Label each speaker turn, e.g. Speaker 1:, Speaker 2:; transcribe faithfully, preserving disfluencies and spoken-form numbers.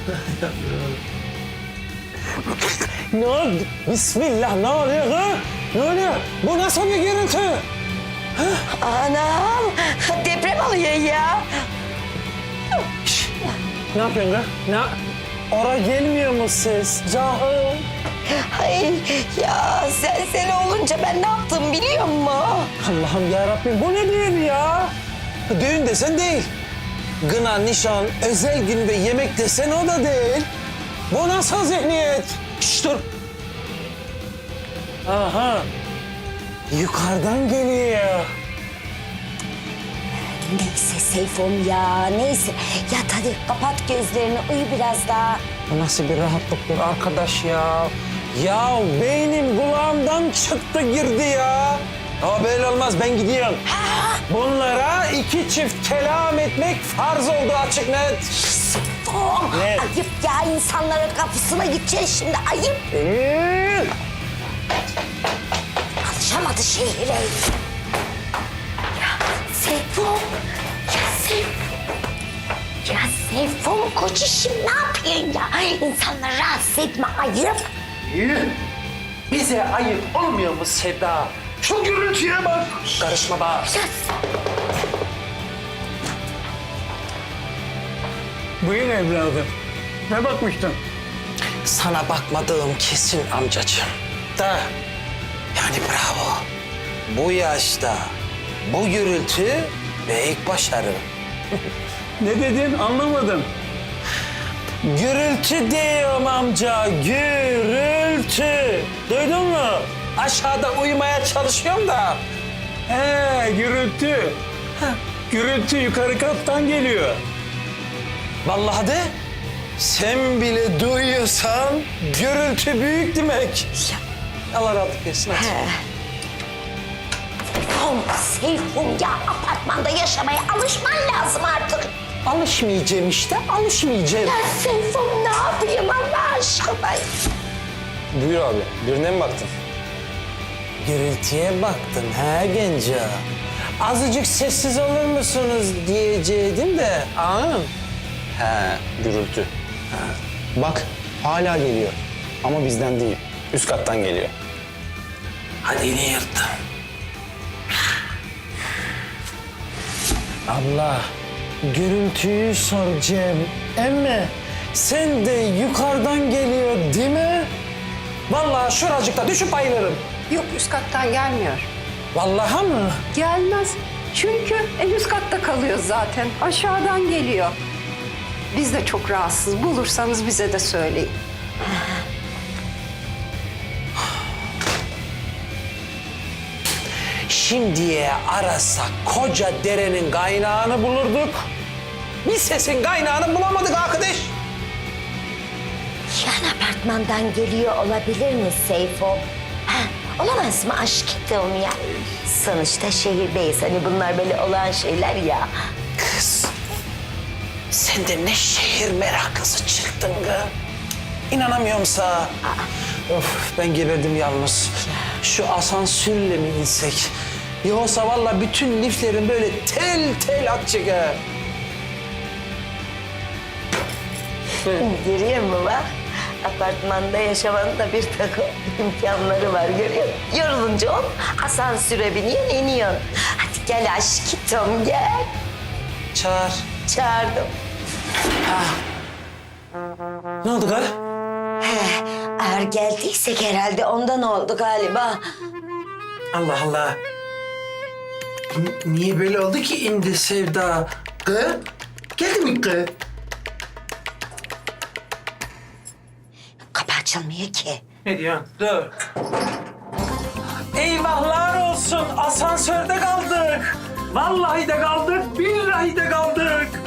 Speaker 1: Ne oldu? Bismillah, ne oluyor ha? Ne oluyor? Bu nasıl bir görüntü?
Speaker 2: Anam, deprem oluyor ya.
Speaker 1: Şş, ne yapıyorsun ha? Ne? Ora gelmiyor mu ses? Cahil.
Speaker 2: Ay ya sen sen olunca ben ne yaptım biliyor musun?
Speaker 1: Allah'ım yarabbim, bu ne düğün ya? Düğün desen değil. Gına, nişan, özel gün ve yemek desen o da değil. Bu nasıl zihniyet? Şşş dur. Aha. Yukarıdan geliyor.
Speaker 2: Neyse Seyfom ya neyse. Yat hadi kapat gözlerini uyu biraz daha.
Speaker 1: Bu nasıl bir rahatlıktır arkadaş ya? Ya beynim kulağımdan çıktı girdi ya. Ama böyle olmaz, ben gidiyorum. Bunlara iki çift kelam etmek farz oldu, açık net.
Speaker 2: Seyfom
Speaker 1: Ne?
Speaker 2: ayıp ya insanların kapısına gideceksin şimdi ayıp.
Speaker 1: Ee,
Speaker 2: Alışamadı şehire. Ya Seyfom, ya Seyfom. Ya Seyfom koç işim ne yapıyorsun ya? İnsanları rahatsız etme ayıp.
Speaker 1: bize ayıp olmuyor mu Sevda? Şu gürültüye bak. Karışma bak.
Speaker 2: Ya
Speaker 3: Buyur evladım. Ne bakmıştın?
Speaker 1: Sana bakmadığım kesin amcacığım. Da yani bravo. Bu yaşta bu gürültü büyük başarı.
Speaker 3: Ne dedin anlamadım.
Speaker 1: Gürültü diyorum amca, gürültü. Duydun mu? Aşağıda uyumaya çalışıyorum da.
Speaker 3: He gürültü. Gürültü yukarı kattan geliyor.
Speaker 1: Vallahi de sen bile duyuyorsan gürültü büyük demek. Allah rahatlık versin hadi.
Speaker 2: Seyfum, Seyfum ya apartmanda yaşamaya alışman lazım artık.
Speaker 1: Alışmayacağım işte, alışmayacağım.
Speaker 2: Ya Seyfum ne yapayım Allah aşkına?
Speaker 4: Buyur abi. Birine mi baktın?
Speaker 1: Gürültüye baktın ha genco. Azıcık sessiz olur musunuz diyecektim de. Anladın?
Speaker 4: He, gürültü. Bak, hala geliyor. Ama bizden değil. Üst kattan geliyor.
Speaker 1: Hadi yine yırttım. Abla, gürültüyü soracağım. Emme, sen de yukarıdan geliyor değil mi? Vallahi şuracıkta düşüp bayılırım.
Speaker 5: Yok üst kattan gelmiyor.
Speaker 1: Vallahi mı?
Speaker 5: Gelmez. Çünkü en üst katta kalıyor zaten. Aşağıdan geliyor. Biz de çok rahatsız. Bulursanız bize de söyleyin.
Speaker 1: Şimdiye arasak koca derenin kaynağını bulurduk. Bir sesin kaynağını bulamadık arkadaş.
Speaker 2: Yan apartmandan geliyor olabilir mi Seyfum? Ha, olamaz mı aşkım ya? Sonuçta şehirdeyiz hani bunlar böyle olan şeyler ya.
Speaker 1: Kız, sen de ne şehir meraklısı çıktın kız. İnanamıyorum sana. Of, ben geberdim yalnız. Şu asansörle mi insek? Yoksa vallahi bütün liflerin böyle tel tel atacak ha.
Speaker 2: Görüyor musun bak? Apartmanda yaşamanın da bir takım imkanları var görüyor musun? Yorulunca hop asansöre biniyorsun iniyorsun. Hadi gel aşkım gel.
Speaker 1: Çağır.
Speaker 2: Çağırdım.
Speaker 1: Ne oldu kız?
Speaker 2: He, eğer geldiysek herhalde ondan oldu galiba.
Speaker 1: Allah Allah. N- niye böyle oldu ki indi Sevda? Kız? Geldi mi kız?
Speaker 2: Kapı açılmıyor ki.
Speaker 1: Ne diyorsun? Dur. Eyvahlar olsun. Asansörde kaldık. Vallahi de kaldık. Billahi de kaldık.